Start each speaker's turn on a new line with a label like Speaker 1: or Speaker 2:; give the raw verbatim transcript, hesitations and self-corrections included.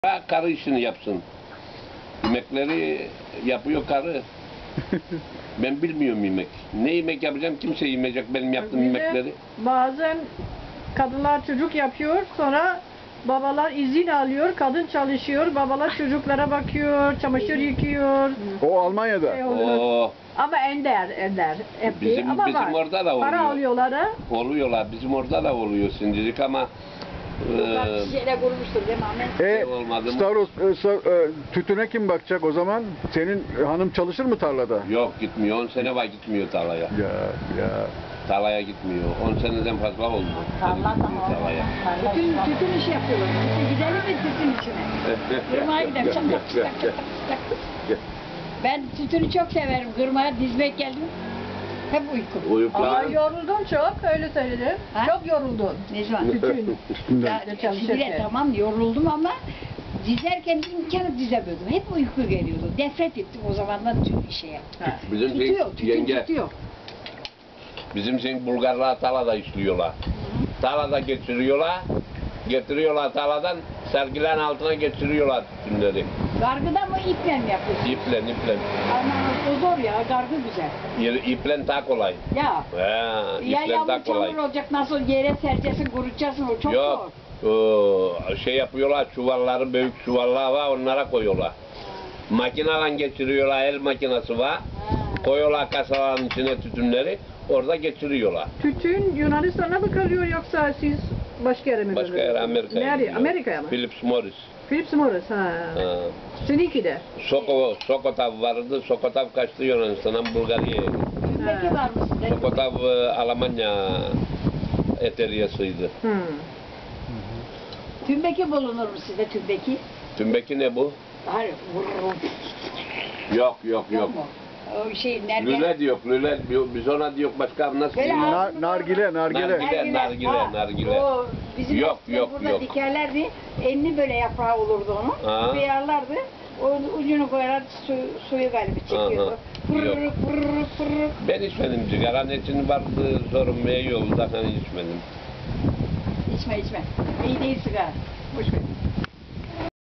Speaker 1: Ha, karı işini yapsın. Yemekleri yapıyor karı. Ben bilmiyorum yemek. Ne yemek yapacağım kimse yemeyecek benim yaptığım
Speaker 2: Bir de
Speaker 1: yemekleri.
Speaker 2: Bazen kadınlar çocuk yapıyor, sonra babalar izin alıyor, kadın çalışıyor, babalar çocuklara bakıyor, çamaşır yıkıyor.
Speaker 3: O Almanya'da.
Speaker 2: Şey oluyor.
Speaker 1: Oo,
Speaker 2: Ama ender, ender. Hep
Speaker 1: Bizim-
Speaker 2: değil ama
Speaker 1: bizim
Speaker 2: var.
Speaker 1: orada da oluyor.
Speaker 2: Para alıyorlar ha.
Speaker 1: oluyorlar. Bizim orada da oluyor şimdilik ama e,
Speaker 4: Şişeyle kurmuştur değil mi Ahmet?
Speaker 3: E,
Speaker 1: olmadı mı?
Speaker 3: Stavros, e, sa- e, tütüne kim bakacak o zaman? Senin hanım çalışır mı tarlada?
Speaker 1: yok gitmiyor. on sene var gitmiyor tarlaya.
Speaker 3: Ya ya.
Speaker 1: Tarlaya gitmiyor. on seneden fazla oldu.
Speaker 4: Tarla
Speaker 1: Gitmiyor
Speaker 4: da
Speaker 1: tarlaya.
Speaker 4: Tütün, tütün işi yapıyorlar. İşte gidelim mi tütün içine? Kırmaya gidelim. Çak, çak, çak, çak, çak. Ben tütünü çok severim. Kırmaya dizmek geldim. Hep uyku.
Speaker 2: Ama
Speaker 1: Uyuklar.
Speaker 2: yoruldun çok, öyle söyledim.
Speaker 4: Ha?
Speaker 2: Çok yoruldun.
Speaker 4: Ne zaman?
Speaker 2: Tütün.
Speaker 4: Ya,
Speaker 2: Çalışırken.
Speaker 4: şimdi tamam yoruldum ama dizerken imkanı dizemiyordum. Hep uyku geliyordu. Nefret ettim o zamandan tüm şeye.
Speaker 2: Ha.
Speaker 1: Bizim şey,
Speaker 4: Tutuyor, tütün
Speaker 1: yenge,
Speaker 4: tutuyor.
Speaker 1: bizim şey Bulgarlar tarlada işliyorlar. Tarlada geçiriyorlar. Getiriyorlar tarladan sergilerin altına geçiriyorlar tütünleri.
Speaker 4: Gargıda mı iple mi yapıyorsun?
Speaker 1: İplen iplen.
Speaker 4: Ama o zor ya, gargı güzel.
Speaker 1: Yeri, iplen daha kolay.
Speaker 4: Ya,
Speaker 1: He,
Speaker 4: ya
Speaker 1: iplen
Speaker 4: yağmur
Speaker 1: daha kolay.
Speaker 4: çamur olacak, nasıl yere sereceksin, kurutacaksın, o çok
Speaker 1: Yok.
Speaker 4: zor.
Speaker 1: Oo, şey yapıyorlar, çuvalları, büyük çuvallar var, onlara koyuyorlar. Makineyle geçiriyorlar, el makinesi var.
Speaker 4: Ha.
Speaker 1: Koyuyorlar kasaların içine tütünleri, orada geçiriyorlar.
Speaker 2: Tütün Yunanistan'a mı kalıyor yoksa siz başka yere mi
Speaker 1: Başka yere
Speaker 2: gönderiyorsunuz?
Speaker 1: Amerika'ya
Speaker 2: Nereye?
Speaker 1: gidiyor.
Speaker 2: Amerika'ya mı?
Speaker 1: Philips Morris.
Speaker 2: Philips Morris ha.
Speaker 1: Ha.
Speaker 2: Seninki de.
Speaker 1: Soko, Sokotav vardı, Sokotav kaçtı Yunanistan'dan Bulgarya'ya.
Speaker 4: Tümbeki var mı sizde?
Speaker 1: Sokotav e, Almanya eteriyasıydı.
Speaker 2: Hmm.
Speaker 4: Tümbeki bulunur mu sizde tümbeki?
Speaker 1: Tümbeki ne bu?
Speaker 4: Hayır, vurur.
Speaker 1: Yok yok yok.
Speaker 4: mu? O şey nerede?
Speaker 1: Lüle diyor, lüle diyor. Biz ona diyor başka nasıl
Speaker 4: Böyle
Speaker 1: diyeyim?
Speaker 4: ağzını
Speaker 3: Na- nargile, nargile.
Speaker 1: Nargile. nargile, nargile.
Speaker 4: O bizim
Speaker 1: Yok,
Speaker 4: eskiden
Speaker 1: yok,
Speaker 4: burada
Speaker 1: yok.
Speaker 4: dikerlerdi. Enli böyle yaprağı olurdu onun.
Speaker 1: Ha.
Speaker 4: Kıyarlardı. O ucunu koyarlar su, suyu galiba çekiyordu.
Speaker 1: Aha.
Speaker 4: Fırırık
Speaker 1: Yok.
Speaker 4: fırırık fırırık.
Speaker 1: Ben içmedim sigara. Ne için vardı sorun ve yolda hani içmedim.
Speaker 4: İçme içme. İyi değil sigara. Boş ver.